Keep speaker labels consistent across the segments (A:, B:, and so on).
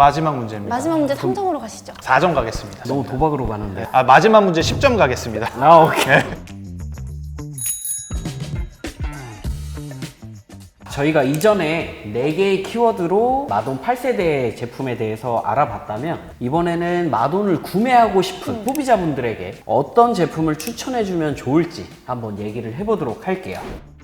A: 마지막 문제입니다.
B: 마지막 문제 3점으로 가시죠.
A: 4점 가겠습니다.
C: 너무 도박으로 가는데.
A: 마지막 문제 10점 가겠습니다.
C: 아, 오케이. 저희가 이전에 4개의 키워드로 마돈 8세대 제품에 대해서 알아봤다면 이번에는 마돈을 구매하고 싶은 소비자분들에게 어떤 제품을 추천해주면 좋을지 한번 얘기를 해보도록 할게요.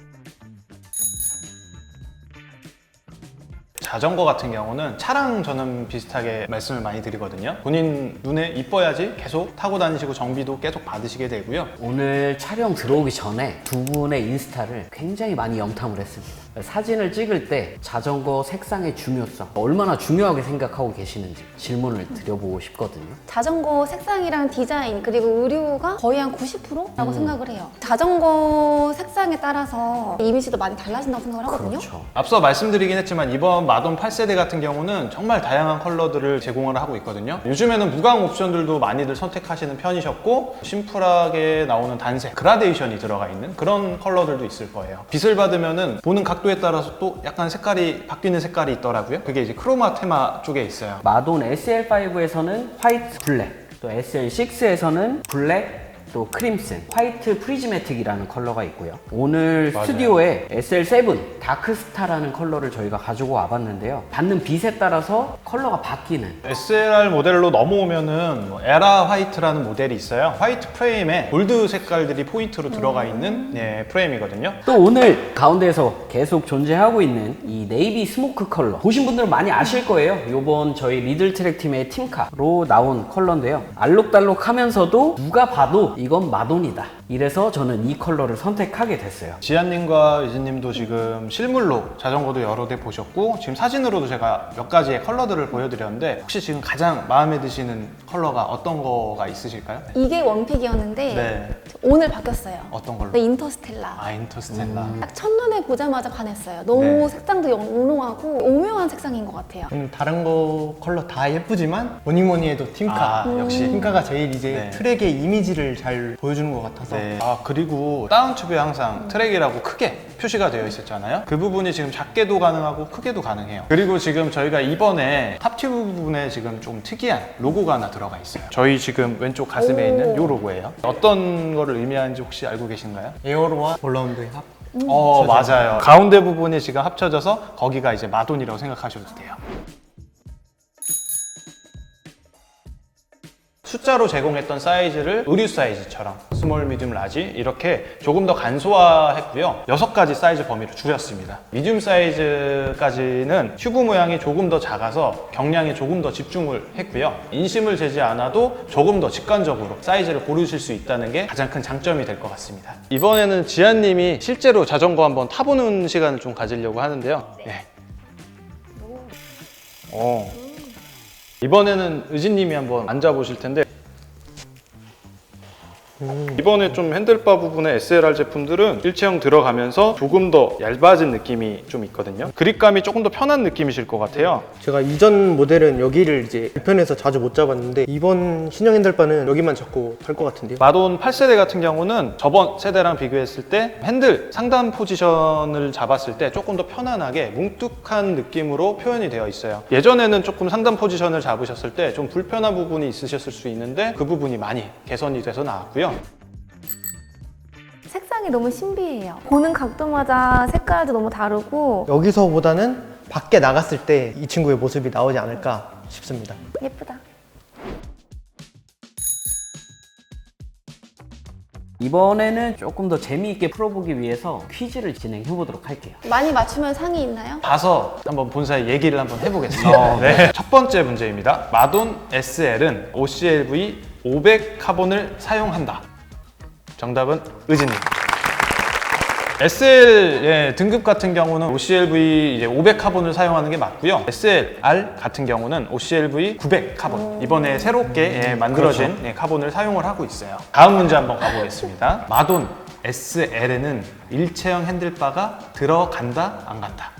A: 자전거 같은 경우는 차랑 저는 비슷하게 말씀을 많이 드리거든요. 본인 눈에 이뻐야지 계속 타고 다니시고 정비도 계속 받으시게 되고요.
C: 오늘 촬영 들어오기 전에 두 분의 인스타를 굉장히 많이 염탐을 했습니다. 사진을 찍을 때 자전거 색상의 중요성, 얼마나 중요하게 생각하고 계시는지 질문을 드려보고 싶거든요.
B: 자전거 색상이랑 디자인 그리고 의류가 거의 한 90%라고 생각을 해요. 자전거 색상에 따라서 이미지도 많이 달라진다고 생각을 하거든요.
C: 그렇죠.
A: 앞서 말씀드리긴 했지만 이번 마돈 8세대 같은 경우는 정말 다양한 컬러들을 제공을 하고 있거든요. 요즘에는 무광 옵션들도 많이들 선택하시는 편이셨고 심플하게 나오는 단색, 그라데이션이 들어가 있는 그런 컬러들도 있을 거예요. 빛을 받으면은 보는 각도에 따라서 또 약간 색깔이 바뀌는 색깔이 있더라고요. 그게 이제 크로마 테마 쪽에 있어요.
C: 마돈 SL5에서는 화이트 블랙, 또 SL6에서는 블랙, 또 크림슨, 화이트 프리즈매틱이라는 컬러가 있고요. 오늘
A: 맞아요.
C: 스튜디오에 SL7 다크스타라는 컬러를 저희가 가지고 와봤는데요. 받는 빛에 따라서 컬러가 바뀌는.
A: SLR 모델로 넘어오면은 에라 화이트라는 모델이 있어요. 화이트 프레임에 골드 색깔들이 포인트로 들어가 있는 프레임이거든요.
C: 또 오늘 가운데에서 계속 존재하고 있는 이 네이비 스모크 컬러, 보신 분들은 많이 아실 거예요. 요번 저희 리들트랙 팀의 팀카로 나온 컬러인데요. 알록달록하면서도 누가 봐도 이건 마돈이다. 이래서 저는 이 컬러를 선택하게 됐어요.
A: 지한님과 유진님도 지금 실물로 자전거도 여러 대 보셨고 지금 사진으로도 제가 몇 가지의 컬러들을 보여드렸는데 혹시 지금 가장 마음에 드시는 컬러가 어떤 거가 있으실까요?
B: 이게 원픽이었는데
A: 네.
B: 오늘 바뀌었어요.
A: 어떤 걸로?
B: 네, 인터스텔라.
A: 인터스텔라.
B: 딱 첫눈에 보자마자 반했어요. 너무
A: 네.
B: 색상도 영롱하고 오묘한 색상인 것 같아요.
D: 다른 거 컬러 다 예쁘지만 뭐니 해도 팀카.
A: 역시.
D: 팀카가 제일 이제
A: 네.
D: 트랙의 이미지를 잘 보여주는 것 같아서
A: 네. 그리고 다운튜브에 항상 트랙이라고 크게 표시가 되어 있었잖아요. 그 부분이 지금 작게도 가능하고 크게도 가능해요. 그리고 지금 저희가 이번에 탑튜브 부분에 지금 좀 특이한 로고가 하나 들어가 있어요. 저희 지금 왼쪽 가슴에
B: 오.
A: 있는 이 로고예요. 어떤 거를 의미하는지 혹시 알고 계신가요?
D: 에어로와 볼라운드의 합.
A: 맞아요. 가운데 부분이 지금 합쳐져서 거기가 이제 마돈이라고 생각하셔도 돼요. 숫자로 제공했던 사이즈를 의류 사이즈처럼 스몰, 미디움, 라지 이렇게 조금 더 간소화했고요. 6가지 사이즈 범위를 줄였습니다. 미디움 사이즈까지는 튜브 모양이 조금 더 작아서 경량에 조금 더 집중을 했고요. 인심을 재지 않아도 조금 더 직관적으로 사이즈를 고르실 수 있다는 게 가장 큰 장점이 될 것 같습니다. 이번에는 지한님이 실제로 자전거 한번 타보는 시간을 좀 가지려고 하는데요. 네. 이번에는 의진님이 한번 앉아보실 텐데 이번에 좀 핸들바 부분에 SLR 제품들은 일체형 들어가면서 조금 더 얇아진 느낌이 좀 있거든요. 그립감이 조금 더 편한 느낌이실 것 같아요.
D: 제가 이전 모델은 여기를 이제 불편해서 자주 못 잡았는데 이번 신형 핸들바는 여기만 잡고 탈 것 같은데요.
A: 마돈 8세대 같은 경우는 저번 세대랑 비교했을 때 핸들 상단 포지션을 잡았을 때 조금 더 편안하게 뭉툭한 느낌으로 표현이 되어 있어요. 예전에는 조금 상단 포지션을 잡으셨을 때 좀 불편한 부분이 있으셨을 수 있는데 그 부분이 많이 개선이 돼서 나왔고요.
B: 색상이 너무 신비해요. 보는 각도마다 색깔도 너무 다르고
D: 여기서보다는 밖에 나갔을 때 이 친구의 모습이 나오지 않을까 싶습니다.
B: 예쁘다.
C: 이번에는 조금 더 재미있게 풀어보기 위해서 퀴즈를 진행해 보도록 할게요.
B: 많이 맞추면 상이 있나요?
A: 봐서 한번 본사에 얘기를 한번 해보겠습니다. 네. 첫 번째 문제입니다. 마돈 SL은 OCLV 500 카본을 사용한다. 정답은 의진님. SL 등급 같은 경우는 OCLV 이제 500 카본을 사용하는 게 맞고요. SLR 같은 경우는 OCLV 900 카본. 이번에 새롭게 만들어진 카본을 사용을 하고 있어요. 다음 문제 한번 가보겠습니다. 마돈 SL에는 일체형 핸들바가 들어간다, 안 간다?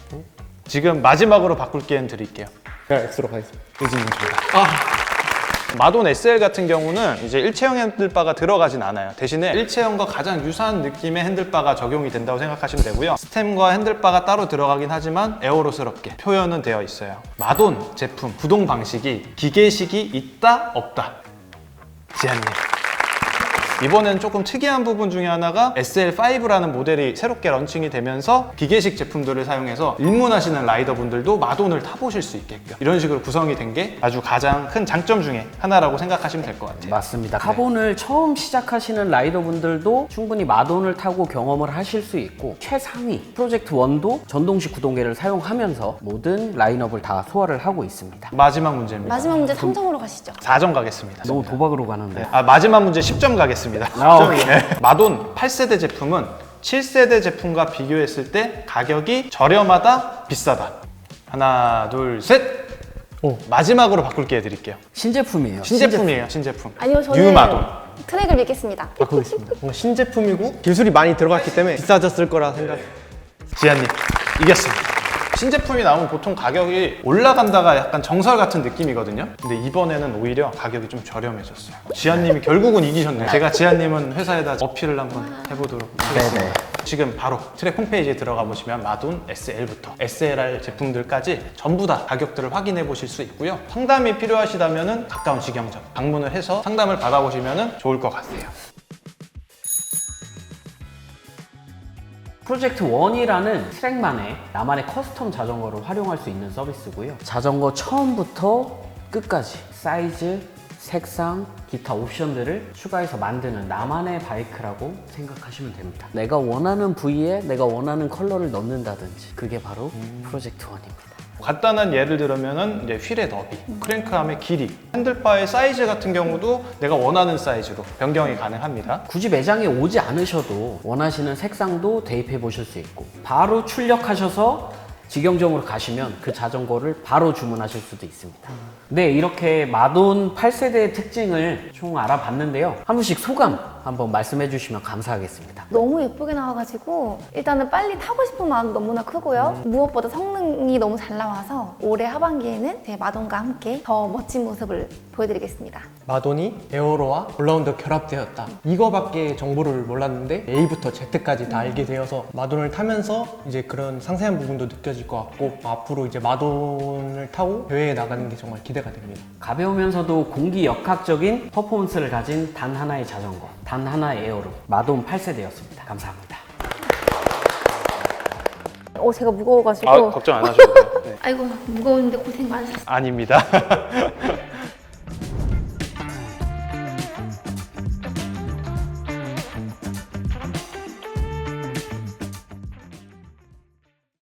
A: 지금 마지막으로 바꿀 기회는 드릴게요.
D: 그냥 X로 가겠습니다.
A: 의진님 정답. 마돈 SL 같은 경우는 이제 일체형 핸들바가 들어가진 않아요. 대신에 일체형과 가장 유사한 느낌의 핸들바가 적용이 된다고 생각하시면 되고요. 스템과 핸들바가 따로 들어가긴 하지만 에어로스럽게 표현은 되어 있어요. 마돈 제품 구동 방식이 기계식이 있다 없다. 지한님. 이번엔 조금 특이한 부분 중에 하나가 SL5라는 모델이 새롭게 런칭이 되면서 기계식 제품들을 사용해서 입문하시는 라이더분들도 마돈을 타보실 수 있게끔 이런 식으로 구성이 된 게 아주 가장 큰 장점 중에 하나라고 생각하시면 될 것 같아요.
C: 맞습니다. 카본을 처음 시작하시는 라이더분들도 충분히 마돈을 타고 경험을 하실 수 있고 최상위 프로젝트 1도 전동식 구동계를 사용하면서 모든 라인업을 다 소화를 하고 있습니다.
A: 마지막 문제입니다.
B: 마지막 문제 3점으로 가시죠.
A: 4점 가겠습니다.
C: 너무 도박으로 가는데.
A: 마지막 문제 10점 가겠습니다.
C: 오케이.
A: 마돈 8세대 제품은 7세대 제품과 비교했을 때 가격이 저렴하다, 비싸다. 하나, 둘, 셋! 마지막으로 바꿀게 해드릴게요.
C: 신제품이에요.
A: 신제품이에요, 신제품.
B: 아니요, 저는
A: 뉴 마돈.
B: 트랙을 믿겠습니다.
D: 바꾸겠습니다. 뭔가 신제품이고 기술이 많이 들어갔기 때문에 비싸졌을 거라 생각.
A: 지한님, 이겼습니다. 신제품이 나오면 보통 가격이 올라간다가 약간 정설 같은 느낌이거든요. 근데 이번에는 오히려 가격이 좀 저렴해졌어요. 지한님이 결국은 이기셨네요. 제가 지한님은 회사에다 어필을 한번 해보도록 하겠습니다.
C: 네네.
A: 지금 바로 트랙 홈페이지에 들어가 보시면 마돈 SL부터 SLR 제품들까지 전부 다 가격들을 확인해 보실 수 있고요. 상담이 필요하시다면 가까운 직영점 방문을 해서 상담을 받아보시면 좋을 것 같아요.
C: 프로젝트 1이라는 트랙만의 나만의 커스텀 자전거를 활용할 수 있는 서비스고요. 자전거 처음부터 끝까지 사이즈, 색상, 기타 옵션들을 추가해서 만드는 나만의 바이크라고 생각하시면 됩니다. 내가 원하는 부위에 내가 원하는 컬러를 넣는다든지 그게 바로 프로젝트 1입니다.
A: 간단한 예를 들면은 이제 휠의 너비, 크랭크암의 길이, 핸들바의 사이즈 같은 경우도 내가 원하는 사이즈로 변경이 가능합니다.
C: 굳이 매장에 오지 않으셔도 원하시는 색상도 대입해 보실 수 있고 바로 출력하셔서 직영점으로 가시면 그 자전거를 바로 주문하실 수도 있습니다. 네, 이렇게 마돈 8세대의 특징을 총 알아봤는데요. 한 분씩 소감 한번 말씀해 주시면 감사하겠습니다.
B: 너무 예쁘게 나와가지고 일단은 빨리 타고 싶은 마음도 너무나 크고요. 무엇보다 성능이 너무 잘 나와서 올해 하반기에는 제 마돈과 함께 더 멋진 모습을 보여드리겠습니다.
D: 마돈이 에어로와 올라운드 결합되었다. 이거밖에 정보를 몰랐는데 A부터 Z까지 다 알게 되어서 마돈을 타면서 이제 그런 상세한 부분도 느껴질 것 같고 앞으로 이제 마돈을 타고 대회에 나가는 게 정말 기대가 됩니다.
C: 가벼우면서도 공기역학적인 퍼포먼스를 가진 단 하나의 자전거, 단 하나의 에어로 마돈 8세대였습니다. 감사합니다.
B: 제가 무거워가지고
A: 걱정 안 하셔도 돼요. 네.
B: 아이고 무거운데 고생 많으셨어요.
A: 아닙니다.